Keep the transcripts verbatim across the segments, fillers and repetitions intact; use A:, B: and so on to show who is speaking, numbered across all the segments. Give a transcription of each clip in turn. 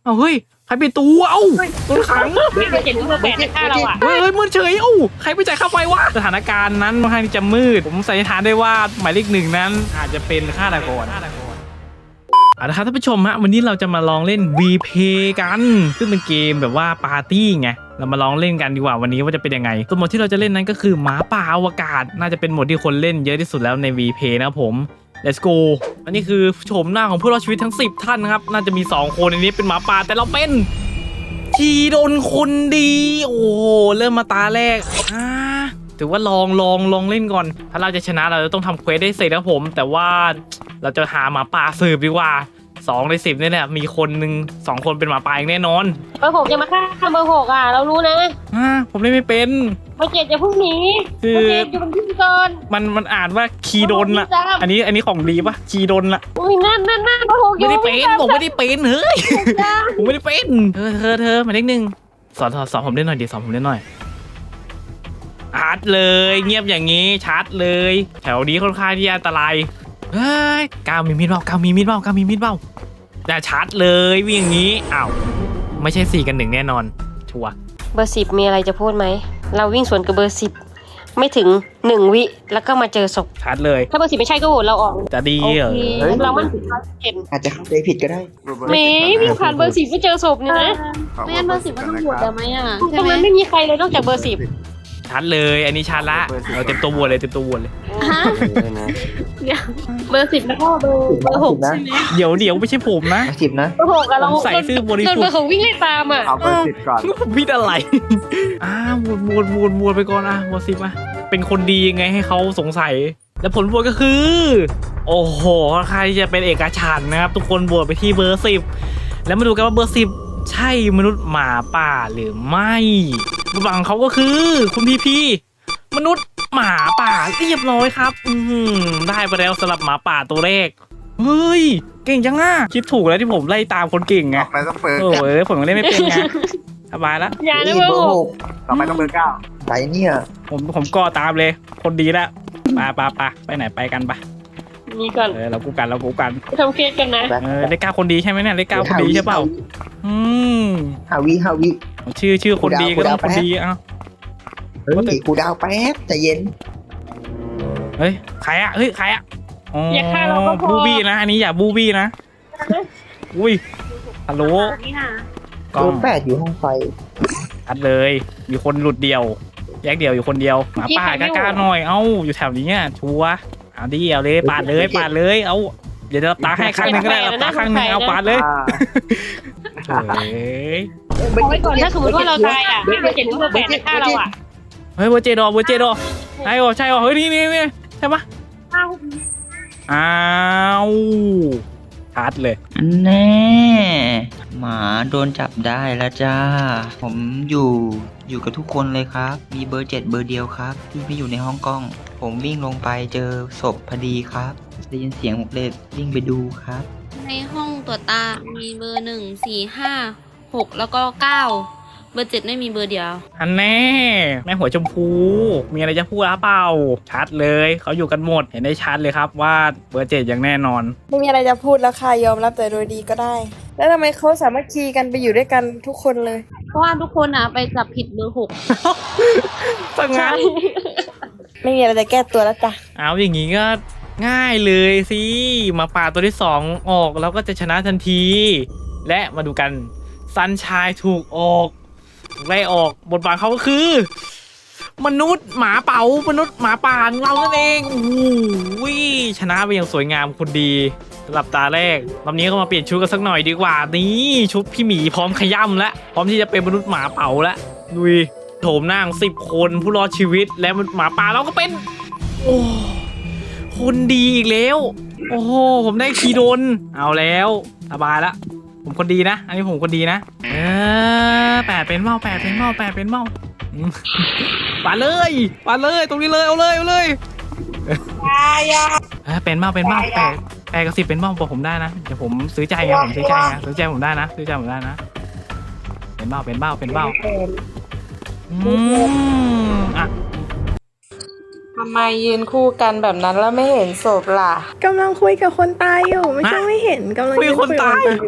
A: เอาเฮ้ยใครไปตูเอ้าโดนขัง
B: เบอร์เจ็ดเบอร์แปดในฆ่าเราอ่ะ
A: เฮ้ยเฮ้ยมืดเฉยเอ้าใครไปจ่ายค่าไฟวะสถานการณ์นั้นค่อนข้างที่จะมืดผมสันนิษฐานได้ว่าหมายเลขหนึ่งนั้นอาจจะเป็นฆาตกรเอาละครับท่านผู้ชมฮะวันนี้เราจะมาลองเล่น วี พี กันซึ่งเป็นเกมแบบว่าปาร์ตี้ไงเรามาลองเล่นกันดีกว่าวันนี้ว่าจะเป็นยังไงตัวโหมดที่เราจะเล่นนั้นก็คือหมาป่าอวกาศน่าจะเป็นโหมดที่คนเล่นเยอะที่สุดแล้วใน วี พี นะครับผม let's go อันนี้คือโฉมหน้าของผู้รอดชีวิตทั้งสิบท่านนะครับน่าจะมีสองคนในนี้เป็นหมาป่าแต่เราเป็นทีโดนคนดีโอ้โหเริ่มมาตาแรกอ่าถือว่าลองลองลองเล่นก่อนถ้าเราจะชนะเราจะต้องทำเควสได้เสร็จนะครับผมแต่ว่าเราจะหาหมาป่าสืบดีกว่าสองในสิบนี่แหละมีคนหนึ่งสองคนเป็นหมาป่าอย่างแน่นอน
B: เบอร์หกจะมาฆ่าเบอร์หกอ่ะเรารู้นะ
A: อ่าผมเล่นไม่เป็น
B: เบอร์เจ็ดจะพุ่งหนี
A: คือ
B: เบอร์เจ็ดอยู่บนที่ก่อน
A: มันมันอ่านว่าคีโดนละอันนี้อันนี้ของดีปะคีโดนละ
B: อุ้ยนั่นนั่นนั่นเบอร์หกอยู่
A: ไม่ได้เป็นผมไม่ได้เป็นเฮ้ย
B: จ้า
A: ผมไม่ได้เป็นเธอเธอเธอหมายเลขหนึ่งสอนสอนสอนผมเล่นหน่อยดิสอนผมเล่นหน่อยชาร์จเลยเงียบอย่างนี้ชาร์จเลยแถวนี้ค่อนข้างที่อันตรายเฮ้ยก้าวมีมีดเปล่าก้าวมีมีดเปล่าก้าวมีมีดเปล่าแต่ชาร์จเลยวิ่งอย่างนี้อ้าวไม่ใช่สี่กันหนึ่งแน่นอนชัวร์
B: เบอร์สิบมีอะไรจะพูดไหมเราวิ่งสวนกับเบอร์สิบไม่ถึงหนึ่งวิแล้วก็มาเจอศพ
A: ชาร์จเลย
B: ถ้าเบอร์สิบไม่ใช่ก็โหวตเราออก
A: จะดี
B: โอ
A: เหรอ
B: เคเรามันผิดร้อยเปอร์เซ็นต์
C: อาจจะเข้าใจผิดก็ได้
B: เมย์วิ่งผ่านเบอร์สิบไม่เจอศพเนี่ยนะ
D: ไม่งั้นเบอร์สิบก็ต้องบวชแล้วไหมอ่ะ
B: ต
D: ใช่
B: รง
D: ไหม
B: นั้นไม่มีใครเลยนอกจากเบอร์สิบ
A: ชาร์จเลยอันนี้ชาร์จละเราเต็มตัววัวเลยเต็มตัววัวเลย
D: ฮะเดี๋ยวเบอร์สิบแล้วก็เบอร์เบอร์หกใช่ไหม
A: เดี๋ยวเดี๋ยวไม่ใช่ผมนะ
C: สิบนะ
B: เบอร์หกอะเรา
A: ผมใส่ซื่อบริสุทธิ์
B: โดนเบอร์หกวิ่งไล่ตามอ่ะ
E: เอาเบอร์สิบก่อน
A: พี่อะไร อ้าววนวนวนวนไปก่อนอ่ะวนสิบอ่ะเป็นคนดียังไงให้เขาสงสัย และผลโหวตก็คือ โอ้โหใครจะเป็นเอกฉันท์นะครับ ทุกคนโหวตไปที่เบอร์สิบแล้วมาดูกันว่าเบอร์สิบใช่มนุษย์หมาป่าหรือไม่ระหว่างเขาก็คือ คุณพีพีมนุษย์หมาป่าเรียบร้อยครับ อืมได้ไปแล้วสำหรับหมาป่าตัวแรกเฮ้ยเก่งจังอ่ะคิดถูกแล้วที่ผมไล่ตามคนเก่งไง
E: ต่อไปต้องเบอร์
A: โอ้ยผมยังเล่นไม่เป็นไงสบายแล้ว
B: อย่านะเบอร์หก
E: ต่อไปต้องเบอร์เก้า
C: ไปเนี่ย
A: ผมผมก็ตามเลย คนดีแล้วไปไปไปไปไหนไปกันปะ
B: นี่ก่อน
A: เออเรากูกันเรากูกัน
B: ทำเคสกันนะ
A: เออเลขเก้าคนดีใช่ไหมเนี่ยเลขเก้าคนดีใช่เปล่าอืม
C: ฮาวิฮาวิ
A: ชื่อชื่อคนดีก็ต้องคนดีเอ้า
C: เฮ้ยกูดาวแป๊บใจเย็น
A: เฮ้ยใครอะเฮ้ยใครอะอ๋ออย่
B: าฆ่าเราก็พอ
A: บูบี้นะอันนี้อย่าบูบี้นะอุ้ยฮัลโหล
D: นี่ค่ะ
A: กล้
C: ตั
A: อ
C: ว
A: ง
C: แปดอยู่ห้องไฟ
A: ชัดเลย มีคนหลุดเดียว แยกเดียวอยู่คนเดียวหมาป่ากล้าๆหน่อยเอ้าอยู่แถวนี้อ่ะชัวร์เอาดิเอาเลยปาดเลยปาดเลยเอาเดี๋ยวจะรับตาให้ครั้งหนึ่งก็ได้รับตาครั้งหนึ่งเอาปาดเลย
E: อ่า
A: เฮ้ย
B: เอาไว้ก่อนถ้าสมมติว่าเราตายอ่ะเบอร์เจ็ดหรือเบอร์แปดในฆ่าเราอ่ะ
A: เฮ้ยเบอร์เจดอเบอร์เจดอใช่หรอใช่หรอเฮ้ยนี่นี่นี่ใช่ปะอ้าวชัดเลย
F: อันแน่หมาโดนจับได้แล้วจ้า ผมอยู่อยู่กับทุกคนเลยครับ มีเบอร์เจ็ดเบอร์เดียวครับ ที่ไม่อยู่ในห้องกล้อง ผมวิ่งลงไปเจอศพพอดีครับ ได้ยินเสียงผมเลยวิ่งไปดูครับ
D: ในห้องตรวจตา มีเบอร์หนึ่งสี่ห้าหกแล้วก็เก้าเบอร์เจ็ดไม่มีเบอร์เดียว
A: อันแน่แม่หัวชมพูมีอะไรจะพูดหรือเปล่าชัดเลยเขาอยู่กันหมดเห็นได้ชัดเลยครับว่าเบอร์เจ็ดอย่างแน่นอน
G: ไม่มีอะไรจะพูดแล้วค่ะยอมรับแต่โดยดีก็ได้ แล้วทำไมเขาสามารถคีกันไปอยู่ด้วยกันทุกคนเลย
D: เพราะว่าทุกคนอ่ะไปจับผิดเบอร์หก
A: สังงาน
G: ไม่มีอะไรจะแก้ตัวแล้วจ้ะ
A: เอาอย่างงี้ก็ง่ายเลยสิมาป่าตัวที่สองออกแล้วก็จะชนะทันที และมาดูกันซันชายถูกออกไล่ออกบทบาทเขาก็คือ มนุษย์หมาเป๋ามนุษย์หมาป่าของเรานั่นเองโอ้โหชนะไปอย่างสวยงามคนดีสำหรับตาแรกรอบนี้ก็มาเปลี่ยนชุดกันสักหน่อยดีกว่านี่ชุดพี่หมีพร้อมขย่ำแล้วพร้อมที่จะเป็นมนุษย์หมาเป๋าแล้วดูดิโถมหน้าสิบคนผู้รอดชีวิตและหมาป่าเราก็เป็นโอ้คนดีอีกแล้วโอ้โหผมได้คีโดนเอาแล้วสบายละผมคนดีนะอันนี้ผมคนดีนะเออแปดเป็นเมาแปดเป็นเมาแปดเป็นเมาอืมปาดเลยปาดเลยตรงนี้เลยเอาเลยเอาเลยเออเป็นเมาเป็นเมาแปดแปดกับสิบเป็นเมาบอกผมได้นะเดี๋ยวผมซื้อใจไงผมซื้อใจไงซื้อใจผมได้นะซื้อใจผมได้นะเป็นเมาเป็นเมาเป็นเมาอืมอ่ะ
H: ทำไมยืนคู่กันแบบนั้นแล้วไม่เห็นศพล่ะ
G: กำลังคุยกับคนตายอยู่ไม่ใช่
A: ฮะ
G: ไม่เห็นกำลัง
A: คุยกับคนตาย
G: คุกับ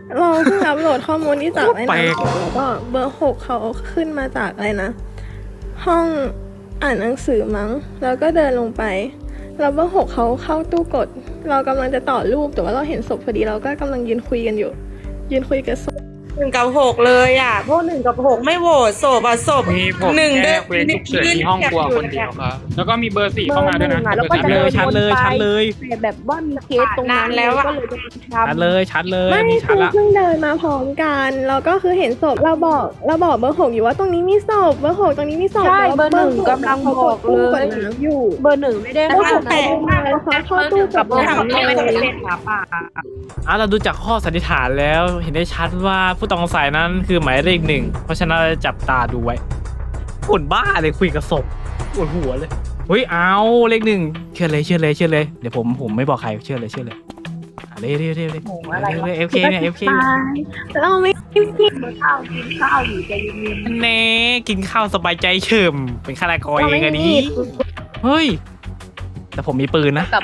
I: เราเพิ่งอัปโหลดข้อมูลที่จากไอ้
A: แปล
I: นะ
A: ก
I: แล้วก็เบอร์หกเขาขึ้นมาจากอะไรนะ ห้องอ่านหนังสือมั้ง แล้วก็เดินลงไป แล้วเบอร์หกเขาเข้าตู้กด เรากำลังจะต่อรูปแต่ว่าเราเห็นศพพอดีเราก็กำลังยืนคุยกันอยู่ ยืนคุยกับศพ
H: หนึ่งกับหกเลยอ่ะพวกหนึ่งกับหกไม่โหวตศพอ่ะศพ
J: มีผม
H: หนึ่ง
J: แค่
H: เดิน
J: เควสฉุกเฉินที่ห้องครัวคนเดียวครับ แล้วก็มีเบอร์สี่เข้ามาด้วยนะ
I: แล้วก็
A: ชัดเลยชัดเลยชัดเลย
I: แต่แบบว่ามีเคสตรงนั้น
H: นานแล้วอะ
I: ก็เลยจะท
A: ชัดเลยชัดเลย
I: ำไม่
A: มีชั
I: คื
A: ด
I: อ
A: ละ
I: เพิ่งเดินมาพร้อมกันแล้วก็คือเห็นศพเราบอกเราบอกเบอร์หกอยู่ว่าตรงนี้มีศพเบอร์หกตรงนี้มีศพ
G: ใช่
I: แล้ว
G: เบอร์หนึ่ง
I: ก
G: กำลังบอกเลย
I: กดน้ำอยู่
G: เบอร์หนึ่งไม่ได้
I: เบอร์หก
G: แต่
I: เขามาแล้วเขาเข้าตู้กดน้ำ
H: ไม่
I: เล
H: ได้
I: ย
H: เป็นหมาป่า
A: อ่ะเราดูจากข้อสันนิษฐานแล้วเห็นได้ชัดว่าผู้ต้องสงสัยนั้นคือหมายเลขหนึ่งเพราะฉะนั้นเราจะจับตาดูไว้คนบ้าเลยคุยกับศพปวดหัวเลยเฮ้ยเอาเลขหนึ่งเชื่อเลยเชื่อเลยเชื่อเลยเดี๋ยวผมผมไม่บอกใครเชื่อเลยเชื่อเลยอ่ะเร็วเร็วเร็วเร็วเร็วเอฟเคเนี่ยเอฟเค
I: เราไม่กินกิน
A: เน่กินข้าวสบายใจเฉิมเป็นฆาตกรเองอะดิเฮ้ยแต่ผมมีปืนนะ
G: กับ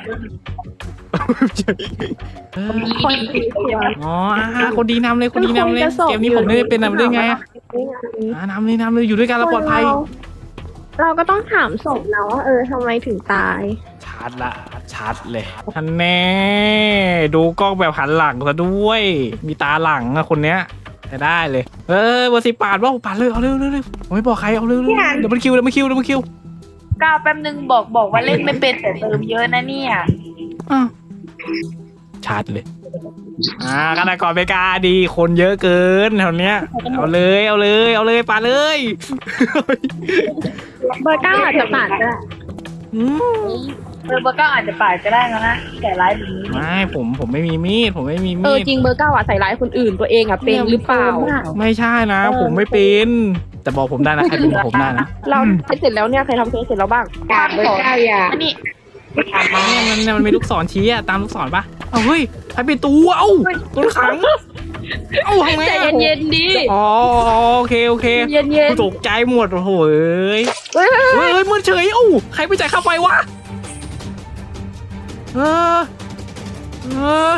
A: เอออ๋ออ่ะคนดีนำเลยคนดีนำเลยเกมนี้ผมไม่ได้เป็นนำได้ไงอ่ะอ่ะนำเลยนำเลยอยู่ด้วยกันเราปลอดภัย
I: เราก็ต้องถามศพนะว่าเออทำไมถึงตาย
A: ชัดละชัดเลยท่านแน่ดูกล้องแบบหันหลังซะด้วย มีตาหลังอะคนเนี้ยจะได้เลย เออเบอร์สิปาดว่าปาดเลยเอาเร็วเร็วเร็วผมไม่บอกใครเอาเร็วเร็วเดี๋ยวมันคิวเดี๋ยวมันคิวเดี๋ยวมันคิว
G: ก้าวแป๊บนึงบอกบอกว่าเล่นไม่เป็นแต่เติมเยอะนะเนี่ย
A: อ้าวชัดเลยอ่าฆาตกรเมกาดีคนเยอะเกินแถวเนี้ยเอาเลยเอาเลยเอาเลยปาดเลย
I: เบอร์เก้าอาจจะปาดก็ได้
A: อืม
G: เออเบอร์เก้าอาจจะปาดก็ได้แล้วนะแต่ร้ายแบบนี้
A: ไม่ผมผมไม่มีมีดผมไม่มี
G: เอ
A: มี
G: อ
A: ด
G: จริงเบอร์เก้าอ่ะใส่ร้ายคนอื่นตัวเองอ่ะเป็นหรือเปล่า
A: ไม่ใช่นะ ผมไม่เป็นแต่บอกผมได้นะใครเป็นบอกผมได้นะ
G: เราเสร็จแล้วเนี่ยใครทำเสร็จแล้วบ้างเบอร์เก้าอย่าอันนี้
A: เนี่ยมันมันมีลูกศรชี้อะตามลูกศรปะเอาเฮ้ยใครเป็นตัวเอ้าตัวขังเอ้าทำไง
G: ใจ
A: อะ
G: เย็นๆดิ
A: อ๋อโอเคโอเค
G: เย็น
A: กูตกใจหมดโอ้โหเอ้ย
G: ๆเฮ้ย
A: เฮ้ยเฮ้ยมืดเฉยเอ้าใครไปจ่ายค่าไฟวะเออเออ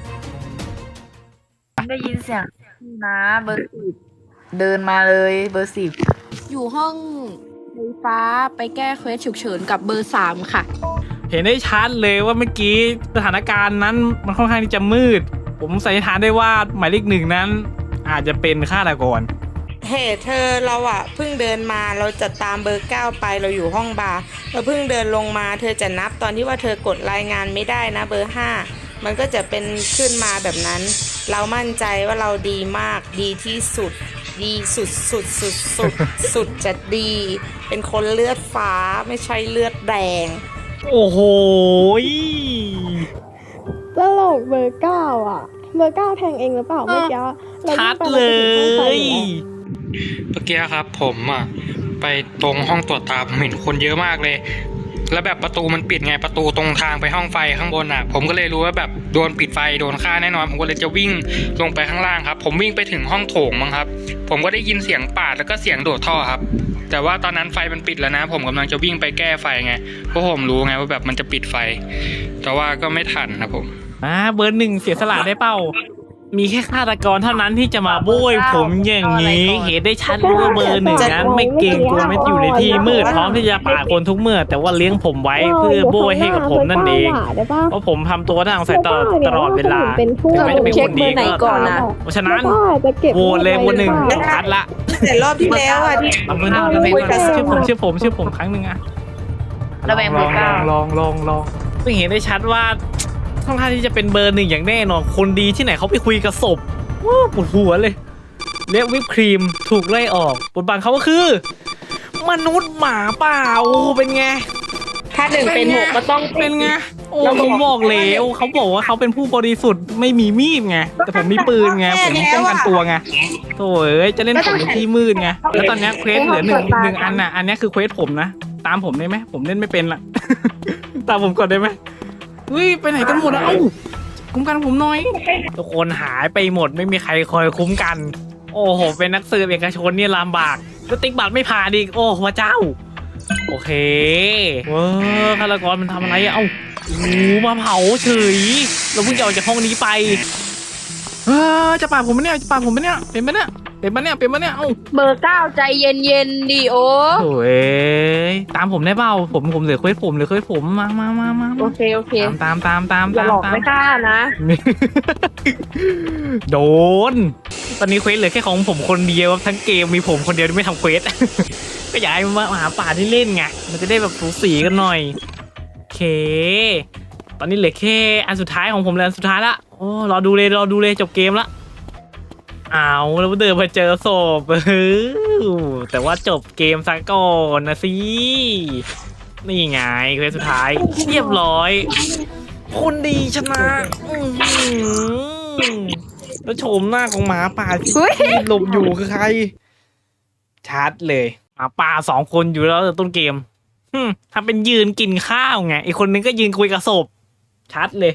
G: ได้ยินเสียงนะเบอร์สิบเดินมาเลยเบอร์สิบ
D: อยู่ห้องไฟฟ้าไปแก้เควสฉุกเฉินกับเบอร์สามค่ะ
A: เห็นได้ชัดเลยว่าเมื่อกี้สถานการณ์นั้นมันค่อนข้างที่จะมืด ผมสันนิษฐานได้ว่าหมายเลขหนึ่งนั้น อาจจะเป็นฆาตกร
H: เฮ้เธอเราอ่ะเพิ่งเดินมาเราจะตามเบอร์เก้าไปเราอยู่ห้องบาร์เราเพิ่งเดินลงมาเธอจะนับตอนที่ว่าเธอกดรายงานไม่ได้นะเบอร์ห้ามันก็จะเป็นขึ้นมาแบบนั้น เรามั่นใจว่าเราดีมากดีที่สุด ดีสุดสุดสุดสุดสุดจะดี เป็นคนเลือดฟ้าไม่ใช่เลือดแดง
A: โอ้โห
I: ตลกเบอร์เก้าอ่ะ เบอร์เก้าแทงเองหรือเปล่าเมื่อกี้รา
A: ชัด
I: วิ่งไป
A: เล
I: ราไปถึงห้องไฟ
A: ย
I: อยู่แล้ว
J: เมื่อกี้ครับผมอ่ะไปตรงห้องตรวจตาผมเห็นคนเยอะมากเลย แล้วแบบประตูมันปิดไงประตูตรงทางไปห้องไฟข้างบนอ่ะ ผมก็เลยรู้ว่าแบบโดนปิดไฟโดนฆ่าแน่นอนผมก็เลยจะวิ่งลงไปข้างล่างครับ ผมวิ่งไปถึงห้องโถงมั้งครับ ผมก็ได้ยินเสียงปาดแล้วก็เสียงโดดท่อครับ แต่ว่าตอนนั้นไฟมันปิดแล้วนะ ผมกำลังจะวิ่งไปแก้ไฟไงเพราะผมรู้ไงว่าแบบมันจะปิดไฟ แต่ว่าก็ไม่ทันครับผม
A: อ่าเบอร์หนึ่งเสียสละได้เปล่า มีแค่ฆาตกรเท่านั้นที่จะมาโบยผมอย่างนี้ เห็นได้ชัดเลยว่าเบอร์หนึ่งนั้นไม่เก่งกลัวไม่อยู่ในที่มืดพร้อมที่จะปาดคนทุกเมื่อ แต่ว่าเลี้ยงผมไว้เพื่อโบยให้กับผมนั่นเอง เพราะผมทำตัวทางสายตลอดตลอดเวลาถึงแม้จะเป็นคนดีก็ตามเพราะฉะนั้นโหวตเลยโหวตหนึ่งชัดละ
H: แต่รอบที่แล้วอ่ะที่
A: เอาเบอร์หนึ่งเอาเบอร์หนึ่งชื่อผมชื่อผมชื่อผมครั้งหนึ่งอะ
G: ระแวงเบอร์เก้า
A: ลองลองลองซึ่งเห็นได้ชัดว่าค่อนข้างที่จะเป็นเบอร์หนึ่งอย่างแน่นอนคนดีที่ไหนเขาไปคุยกับศพว้าวปวดหัวเลยเรียกวิปครีมถูกไล่ออกบทบาทเขาก็คือ มนุษย์หมาป่าโอ้เป็นไง
H: ถ้าหนึ่งเป็นหกก็ต้อง
A: เป็นไงโอ้ผมบอกแล้วเขาบอกว่าเขาเป็นผู้บริสุทธิ์ไม่มีมีดไงแต่ผมมีปืนไงผมป้องกันตัวไงโถ่เอ้ยจะเล่นผมในที่มืดไงแล้วตอนนี้เควสเหลือหนึ่งหนึ่งอันน่ะอันนี้คือเควสผมนะตามผมได้ไหมผมเล่นไม่เป็นละ ตามผมก่อนได้ไหมเฮ้ยไปไหนกันหมดแล้วเอ้าคุ้มกันผมหน่อยทุกคนหายไปหมดไม่มีใครคอยคุ้มกัน โอ้โหเป็นนักสืบเอกชนเนี่ยลำบากแล้วติ๊กบัตรไม่ผ่านอีกโอ้พระเจ้าโอเคเว้อฆาตกรมันทำอะไรอะเอ้าโอ้โหมาเผาเฉยเราเพิ่งจะออกจากห้องนี้ไปเออจะปาดผมไหมเนี่ยจะปาดผมไหมเนี่ยเป็นไหมเนี่ยเป็นไหมเนี่ยเป็นไหมเนี่ยเอ้า
D: เบอร์เก้าใจเย็นเย็นๆดิโอ
A: โอ้ยตามผมได้เปล่าผมผมเหลือเควสผมเหลือเควสผมมามามามา
D: โอเคโอเค
A: ตามตามตาม
D: อย่า
A: ตาม
D: หลอก
A: ตาม
D: ไม่กล้านะ
A: โดนตอนนี้เควสเหลือแค่ของผมคนเดียวทั้งเกมมีผมคนเดียวที่ไม่ทำเควส ก็อยากให้มาหาป่าที่เล่นไงมันจะได้แบบสูสีกันหน่อยโอเค ตอนนี้เหลือแค่อันสุดท้ายของผมแล้วอันสุดท้ายละโอ้รอดูเลยรอดูเลยจบเกมละเอาแล้วเดินมาเจอศพ เออแต่ว่าจบเกมซะก่อนนะสินี่ไงเควสสุดท้ายเรียบร้อยคนดีชนะอื้อหือแล้วโฉมหน้าของหมาป่าที่หลบอยู่คือใครชัดเลยหมาป่าสองคนอยู่แล้วต้นเกม ถ้าเป็นยืนกินข้าวไงอีกคนนึงก็ยืนคุยกับศพชัดเลย